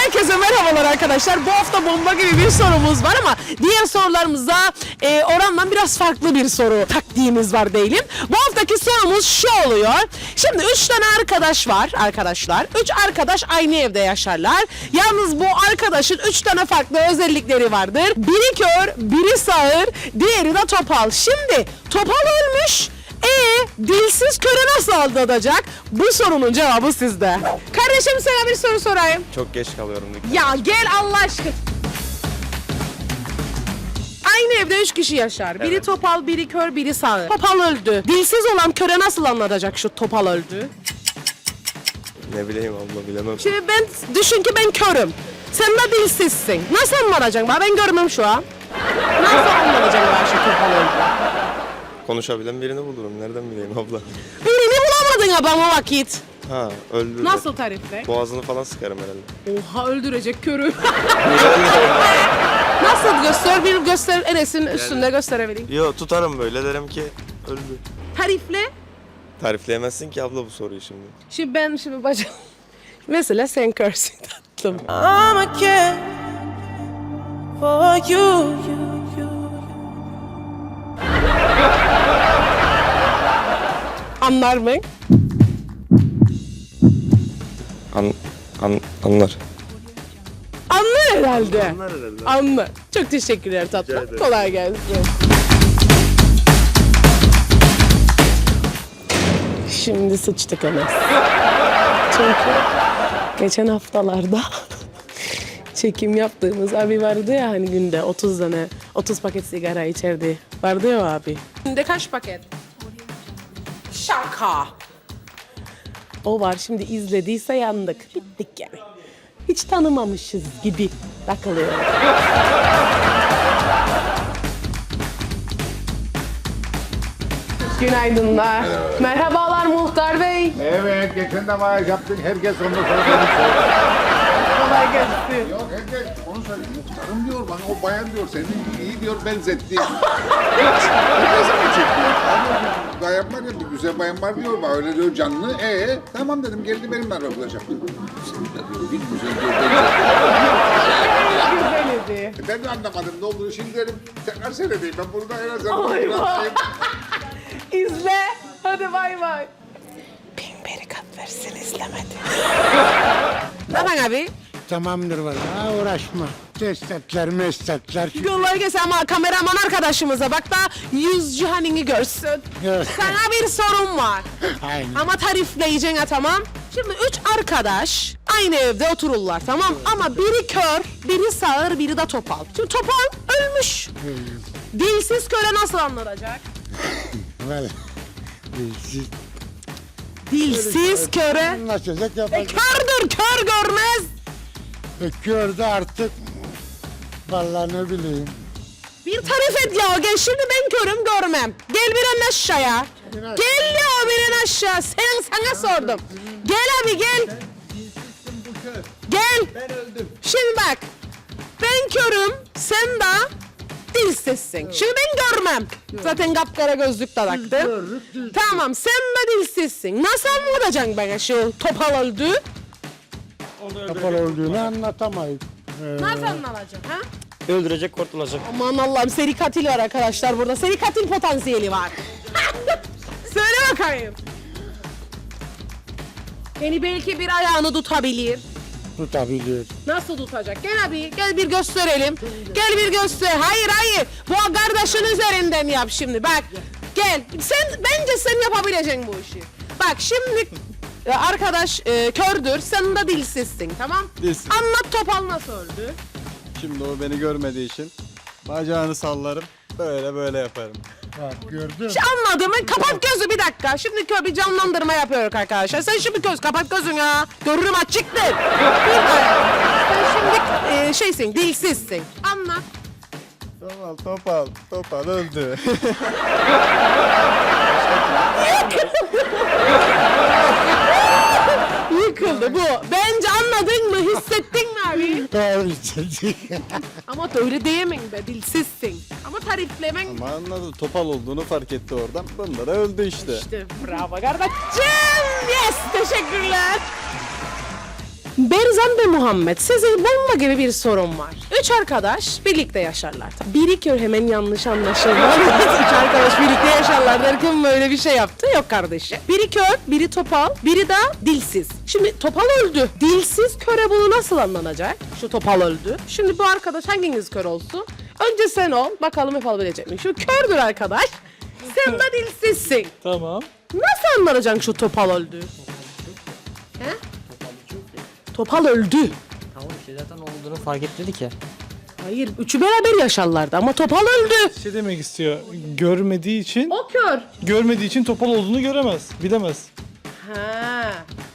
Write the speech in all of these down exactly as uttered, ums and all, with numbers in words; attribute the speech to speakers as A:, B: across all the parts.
A: Herkese merhabalar arkadaşlar. Bu hafta bomba gibi bir sorumuz var ama diğer sorularımızda e, orandan biraz farklı bir soru taktiğimiz var diyelim. Bu haftaki sorumuz şu oluyor. Şimdi üç tane arkadaş var arkadaşlar. Üç arkadaş aynı evde yaşarlar. Yalnız bu arkadaşın üç tane farklı özellikleri vardır. Biri kör, biri sağır, diğeri de topal. Şimdi topal ölmüş. Ee, dilsiz köre nasıl aldatacak? Bu sorunun cevabı sizde. Kardeşim sana bir soru sorayım.
B: Çok geç kalıyorum.
A: Ya gel Allah aşkına. Aynı evde üç kişi yaşar. Biri
B: Evet.
A: topal, biri kör, biri sağır. Topal öldü. Dilsiz olan köre nasıl anlatacak şu topal öldü?
B: Ne bileyim abla, bilemem.
A: Şimdi ben düşün ki ben körüm. Sen de dilsizsin. Nasıl anlatacaksın? Ben görmem şu an. Nasıl anlatacaksın ben şu topal öldü?
B: Konuşabilen birini bulurum. Nereden bileyim abla?
A: Birini bulamadın abam o vakit.
B: Ha, öldü.
A: Nasıl tarifle?
B: Boğazını falan sıkarım herhalde.
A: Oha öldürecek körü. Nasıl göster? Bir göster Enes'in üstünde gösterebileyim.
B: Yo, tutarım böyle, derim ki öldü.
A: Tarifle.
B: Tarifleyemezsin ki abla bu soruyu şimdi.
A: Şimdi ben şimdi bacım. Mesela sen körsün tatlım.
C: I'm a kid for you.
A: Anlar mı?
B: An, an, anlar.
A: Anlar herhalde.
B: Anlar herhalde.
A: Anlar. Çok teşekkürler tatlım.
B: ederim.
A: Kolay gelsin. Şimdi sıçtık Enes. Çünkü geçen haftalarda çekim yaptığımız abi vardı ya hani günde otuz tane otuz paket sigara içerdi. Vardı ya o abi. Günde kaç paket? Şaka. O var, şimdi izlediyse yandık. Bittik yani. Hiç tanımamışız gibi takılıyor. Günaydınlar. Merhabalar Muhtar Bey.
D: Evet, geçen de maaş yaptık. Herkes onu söylüyor.
A: Kolay gelsin.
D: Yok, herkes onu söylüyor. Muhtarım diyor bana, o bayan diyor, seni iyi diyor, benzetti. Herkese mi çekiyor? Abi, bayan var ya, bir güzel bayan var diyor, bana öyle diyor canlı. Ee, tamam dedim, geldi benimle röportaj yaptı. Seni de diyor, bir güzel diyor, benzetti.
A: Güzeldi.
D: E, Ben de anlamadım ne olduğunu, şimdi dedim, tekrar seyredeyim. Ben burada en azından...
A: Ay
D: biraz-
A: vay. İzle. Hadi bay bay. Bin berikat versin izlemedi. Ne yapın abi?
E: Tamamdır valla uğraşma. Destekler meslekler.
A: Kolay gelsin ama kameraman arkadaşımıza bak da yüz cihanini görsün.
E: Evet.
A: Sana bir sorum var.
E: Aynen.
A: Ama tarifleyeceksin ha, tamam. Şimdi üç arkadaş aynı evde otururlar, tamam. Ama biri kör, biri sağır, biri de topal. Şimdi topal ölmüş. Dilsiz köre nasıl anlatacak?
E: Valla. Siz
A: Dilsiz köre.
E: anlaşacak
A: E,
E: yapacak.
A: kördür, kör görmez.
E: Gördü artık. Valla ne bileyim.
A: Bir tarif et ya, gel şimdi ben körüm görmem. Gel bir an aşağıya. Gel ya bir an aşağı. Sen sana sordum. Gel abi gel. Gel. Ben öldüm. Şimdi bak. Ben körüm, sen de dilsizsin. Şimdi ben görmem. Zaten kapkara gözlük de taktım. Tamam, sen de dilsizsin. Nasıl anlatacaksın bana şu topal öldü?
E: Kapalı olduğunu anlatamayız. Ee,
A: Nasıl anlatacaksın ha?
B: Öldürecek, kurtulacak.
A: Aman Allah'ım, seri katil var arkadaşlar burada. Seri katil potansiyeli var. Söyle bakayım. Yani belki bir ayağını tutabilir.
E: tutabilir.
A: Nasıl tutacak? Gel abi, gel bir gösterelim. Gel bir göster. Hayır hayır. Bu kardeşin üzerinden yap şimdi. Bak. Gel. Sen bence sen yapabileceksin bu işi. Bak şimdi e, arkadaş e, kördür. Sen de dilsizsin, tamam?
F: Dilsiz.
A: Anlat topal nasıl öldü?
F: Şimdi o beni görmediği için bacağını sallarım. Böyle böyle yaparım.
E: Bak gördün.
A: Şu anladığımı kapat gözü bir dakika. Şimdi kö bir canlandırma yapıyoruz arkadaşlar. Sen şimdi göz kapat gözünü ya. Görürüm açıktır. Bir daha. Sen şimdi e, şeysin, dilsizsin. Anlat.
F: Topal topal topal öldü.
A: Yıkıldı bu. Bence anladın mı? Hissettin mi abi?
E: Doğru istedik.
A: Ama öyle diyemeyin be, dilsizsin. Ama tariflemen
F: Ama anladı, topal olduğunu fark etti oradan. Bunda da öldü işte.
A: işte. Bravo kardeşim. Yes, teşekkürler. Berzan ve Muhammed, size bomba gibi bir sorum var. Üç arkadaş birlikte yaşarlar. Biri kör, hemen yanlış anlaşılma. Üç arkadaş birlikte yaşarlar derken böyle bir şey yaptı. Yok kardeşim. Biri kör, biri topal, biri de dilsiz. Şimdi topal öldü. Dilsiz köre bunu nasıl anlanacak? Şu topal öldü. Şimdi bu arkadaş hanginiz kör olsun? Önce sen ol. Bakalım yapabilecek mi? Şu kördür arkadaş. Sen de dilsizsin.
C: Tamam.
A: Nasıl anlanacaksın şu topal öldü? He? Topal öldü.
G: Tamam işte zaten olduğunu fark etmedi ki.
A: Hayır, üçü beraber yaşarlardı ama topal öldü.
C: Şey demek istiyor. Görmediği için,
A: O kör.
C: görmediği için topal olduğunu göremez. Bilemez.
A: Ha.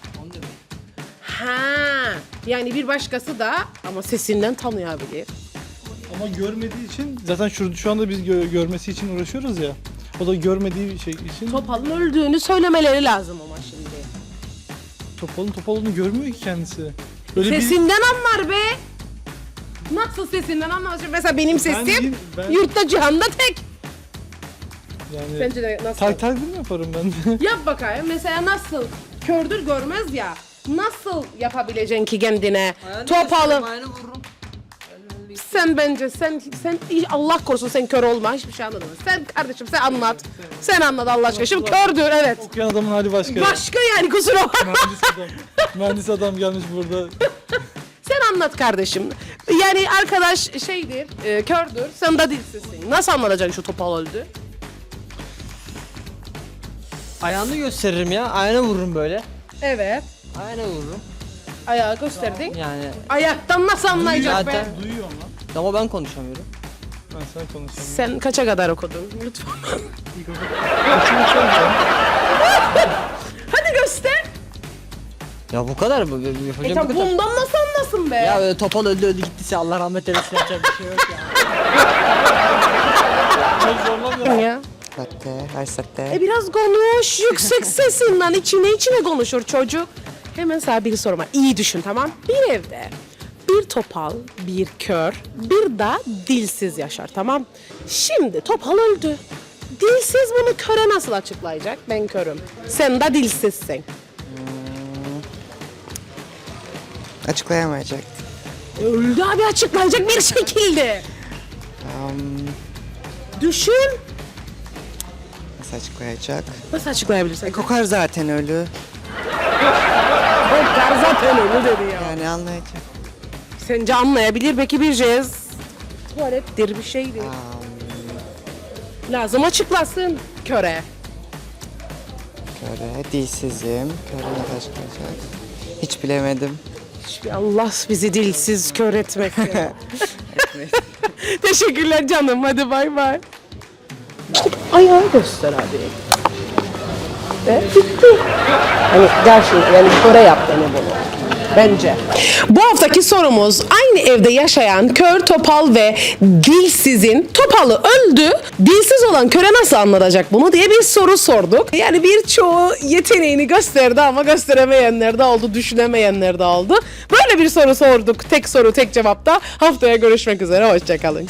A: Ha. Yani bir başkası da ama sesinden tanıyabilir.
C: Ama görmediği için zaten şu, şu anda biz gö- görmesi için uğraşıyoruz ya. O da görmediği şey için
A: Topalın öldüğünü söylemeleri lazım ama şimdi.
C: topalın topal olduğunu görmüyor ki kendisi. Böyle bir
A: Sesinden anlar be. Nasıl sesinden anlar? Şimdi mesela benim sesim
C: değil, ben-
A: yurtta cihanda tek.
C: yani
A: Sence de nasıl?
C: tak takdim yaparım ben de.
A: Yap bakayım. Mesela nasıl? Kördür görmez ya. Nasıl yapabileceksin ki kendine? Topalı.
G: Ayağını vururum.
A: Sen bence sen sen Allah korusun sen kör olma, hiçbir şey anladın mı? Sen kardeşim sen anlat. Sen anlat Allah aşkına. Şimdi kördür evet.
C: Okuyan adamın hali başka.
A: Başka yani kusura bakma.
C: Mühendis adam. Mühendis adam gelmiş burada.
A: Sen anlat kardeşim. Yani arkadaş şeydir, e, kördür. Sen de dilsizsin. Nasıl anlatacaksın şu topal öldü?
G: Ayağını gösteririm ya. Ayağını vururum böyle.
A: Evet.
G: Ayağını vururum.
A: Ayağı gösterdin.
G: Yani
A: Ayaktan nasıl anlayacak be?
G: zaten
C: Duyuyor ama.
G: ama ben konuşamıyorum.
C: Ben sana konuşamıyorum.
A: Sen kaça kadar okudun? Lütfen. Hadi göster.
G: Ya bu kadar mı?
A: E
G: Yapacağım
A: tamam
G: bu kadar.
A: bundan nasıl anlasın be?
G: Ya öyle topal öldü öldü gittiyse Allah rahmet eylesin yapacak bir şey yok ya.
A: ya.
H: Saatte, her saatte.
A: E biraz konuş. Yüksek sesinden içine içine konuşur çocuk. Hemen sana bir sorum var. İyi düşün tamam. Bir evde bir topal, bir kör, bir de dilsiz yaşar tamam. Şimdi topal öldü. Dilsiz bunu köre nasıl açıklayacak? Ben körüm. Sen de dilsizsin.
H: Açıklayamayacak.
A: Öldü abi açıklayacak bir şekilde.
H: Um,
A: Düşün.
H: nasıl açıklayacak?
A: Nasıl açıklayabilirsin?
H: E, kokar zaten ölü.
A: Kokar zaten öyle dedi ya.
H: Yani anlayacak.
A: Sence anlayabilir belki bir cez. Tuvalettir bir şeydir. Lazım açıklasın köre.
H: Köre, dilsizim. Köre nasıl açıklayacak? Hiç bilemedim.
A: Hiçbir Allah bizi dilsiz kör etmesin. Teşekkürler canım. Hadi bay bay. Ayağı göster abi. Ve bitti. Hani gerçekten yani köre yap beni bunu. Bence. Bu haftaki sorumuz aynı evde yaşayan kör, topal ve dilsizin topalı öldü. Dilsiz olan köre nasıl anlatacak bunu diye bir soru sorduk. Yani birçoğu yeteneğini gösterdi ama gösteremeyenler de oldu, düşünemeyenler de oldu. Böyle bir soru sorduk. Tek soru, tek cevapta. Haftaya görüşmek üzere. Hoşçakalın.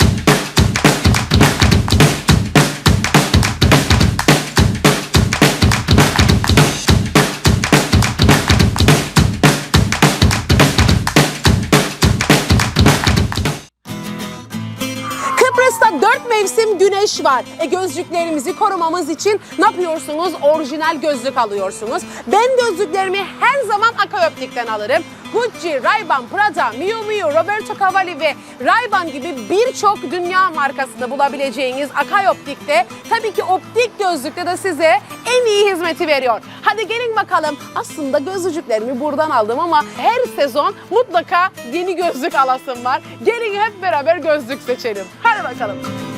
A: Kıbrıs'ta dört mevsim güneş var. E gözlüklerimizi korumamız için ne yapıyorsunuz? Orijinal gözlük alıyorsunuz. Ben gözlüklerimi her zaman Akaoptik'ten alırım. Gucci, Ray-Ban, Prada, Miu Miu, Roberto Cavalli ve Ray-Ban gibi birçok dünya markasında bulabileceğiniz Akaoptik'te tabii ki optik gözlükte de size en iyi hizmeti veriyor. Hadi gelin bakalım. Aslında gözlüklerimi buradan aldım ama her sezon mutlaka yeni gözlük alasım var. Gelin hep beraber gözlük seçelim. Hadi bakalım.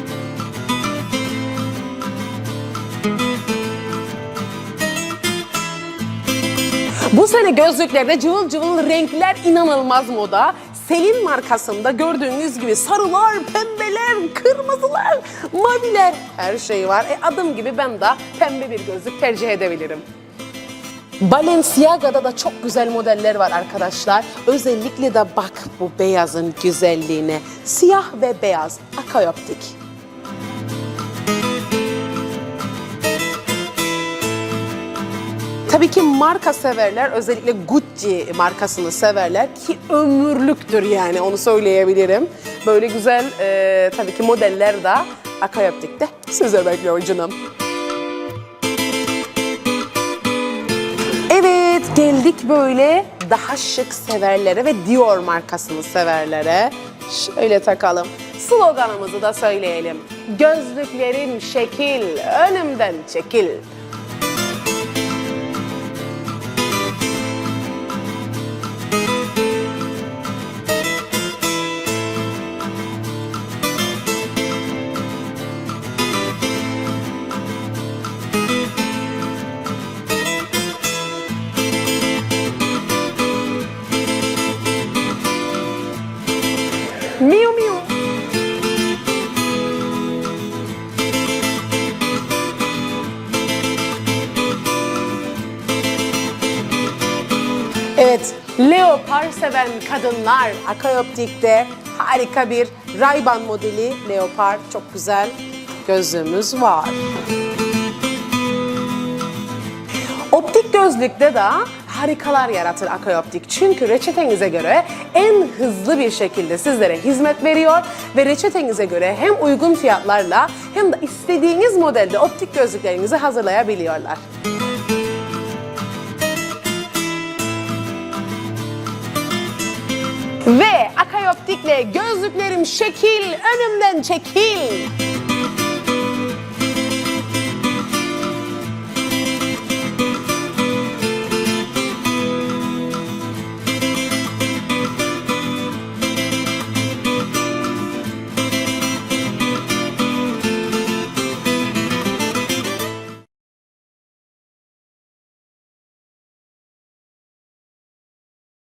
A: Bu sene gözlüklerde cıvıl cıvıl renkler inanılmaz moda. Selin markasında gördüğünüz gibi sarılar, pembeler, kırmızılar, maviler her şey var. E adım gibi ben de pembe bir gözlük tercih edebilirim. Balenciaga'da da çok güzel modeller var arkadaşlar. Özellikle de bak bu beyazın güzelliğine. Siyah ve beyaz Akaoptik. Tabii Tabii ki marka severler, özellikle Gucci markasını severler ki ömürlüktür yani, onu söyleyebilirim. Böyle güzel e, tabii ki modeller de Akay Optik'te size bekliyor canım. Evet, geldik böyle daha şık severlere ve Dior markasını severlere. Şöyle takalım. Sloganımızı da söyleyelim. Gözlüklerin şekil, önümden çekil. Miu miu. Evet, leopar seven kadınlar Akay Optik'te harika bir Ray-Ban modeli leopar, çok güzel gözlüğümüz var. Optik gözlükte de harikalar yaratır Akay Optik. Çünkü reçetenize göre en hızlı bir şekilde sizlere hizmet veriyor ve reçetenize göre hem uygun fiyatlarla hem de istediğiniz modelde optik gözlüklerinizi hazırlayabiliyorlar. Ve Akay Optik'le gözlüklerim şekil, önümden çekil.